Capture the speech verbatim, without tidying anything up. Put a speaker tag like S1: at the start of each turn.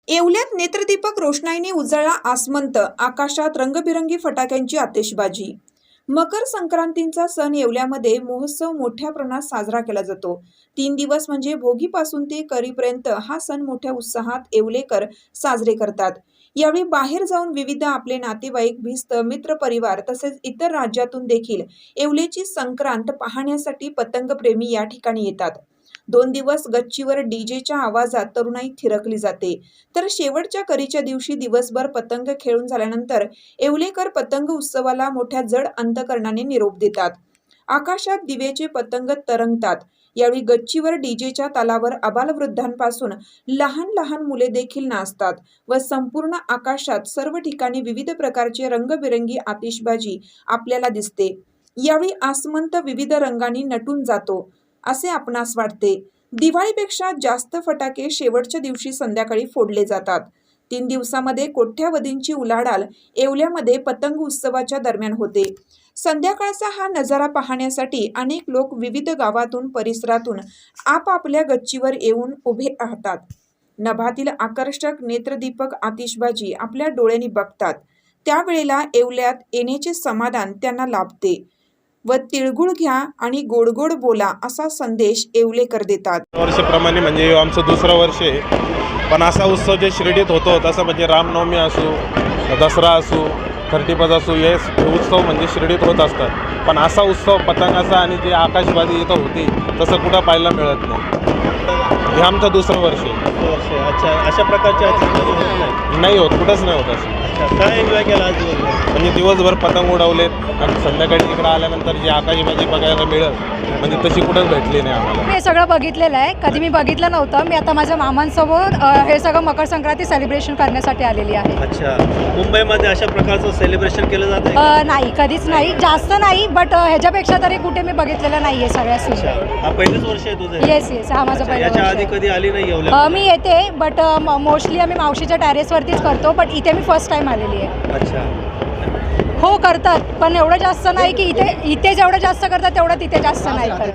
S1: येवल्यात नेत्रदीपक रोषणाईने उजळला आसमंत, आकाशात रंगबिरंगी फटाक्यांची आतिषबाजी। मकर संक्रांतीचा सण येवल्यामध्ये महोत्सव मोठ्या प्रमाणात साजरा केला जातो। तीन दिवस म्हणजे भोगीपासून ते करीपर्यंत हा सण मोठ्या उत्साहात येवलेकर साजरे करतात। यावेळी बाहेर जाऊन विविध आपले नातेवाईक, भिस्त, मित्र परिवार तसेच इतर राज्यातून देखील येवल्याची संक्रांत पाहण्यासाठी पतंगप्रेमी या ठिकाणी येतात। दोन दिवस गच्चीवर डीजेच्या आवाजात तरुणाई थिरकली जाते, तर शेवटच्या करीच्या दिवशी दिवसभर पतंग खेळून झाल्यानंतर येवलेकर पतंग उत्सवाला मोठ्या जड अंतकरणाने निरोप देतात। आकाशात दिव्याचे पतंग तरंगतात। यावेळी गच्चीवर डीजेच्या तालावर आबालवृद्धांपासून लहान लहान मुले देखील नाचतात व संपूर्ण आकाशात सर्व ठिकाणी विविध प्रकारचे रंगबिरंगी आतिषबाजी आपल्याला दिसते। यावेळी आसमंत विविध रंगांनी नटून जातो असे आपणास वाटते। दिवाळीपेक्षा जास्त फटाके शेवटच्या दिवशी संध्याकाळी फोडले जातात। तीन दिवसामध्ये कोट्यावधींची उलाढाल येवल्यामध्ये पतंग उत्सवाच्या दरम्यान होते। संध्याकाळचा हा नजारा पाहण्यासाठी अनेक लोक विविध गावातून परिसरातून आपापल्या गच्चीवर येऊन उभे राहतात। नभातील आकर्षक नेत्रदीपक आतिषबाजी आपल्या डोळ्यांनी बघतात। त्यावेळेला येवल्यात येण्याचे समाधान त्यांना लाभते व तिळगुळ घ्या आणि गोड गोड बोला असा संदेश येवलेकर देतात।
S2: वर्षाप्रमाणे म्हणजे आमचं दुसरं वर्ष आहे, पण असा उत्सव जे शिर्डीत होतो तसं म्हणजे रामनवमी असो, दसरा असो, थर्टीफर्स्ट असो, हे उत्सव म्हणजे शिर्डीत होत असतात। पण असा उत्सव पतंगाचा आणि जे आकाशबाजी इथं होती तसं कुठं पाहायला मिळत नाही। हे आमचं दुसरं वर्ष आहे।
S3: अच्छा, अशा प्रकारचे नाही
S2: नाही होत, कुठंच नाही होत असं।
S3: काय एन्जॉय केला आज
S2: म्हणजे दिवसभर पतंग उडवलेत आणि संध्याकाळी इकडं आल्यानंतर जी आकाशबाजी बघायला मिळत म्हणजे तशी कुठंच भेटली नाही आम्हाला।
S4: हे सगळं बघितलेलं आहे, कधी मी बघितलं नव्हतं। मी आता माझ्या मामांसोबत हे सगळं मकर संक्रांती सेलिब्रेशन करण्यासाठी आलेली आहे।
S3: अच्छा, मुंबईमध्ये अशा प्रकारचं सेलिब्रेशन केलं जातं का?
S4: नाही, कधीच नाही, जास्त नाही, बट ह्याच्यापेक्षा तरी कुठे मी बघितलेलं नाही आहे सगळ्या सुविधा।
S3: हा पहिलेच वर्ष आहे तुझं?
S4: येस येस, हा माझं पहिलं
S3: याच्या
S4: वर्ष
S3: आधी
S4: आहे।
S3: कधी आली नाही येवल्या?
S4: मी येते, बट मोस्टली आम्ही मावशीच्या टेरेसवरतीच करतो, बट इथे मी फर्स्ट टाइम आलेली आहे।
S3: अच्छा,
S4: हो करतात, पण एवढं जास्त नाही की इथे इथे जेवढं जास्त करतात तेवढं तिथे जास्त नाही करत।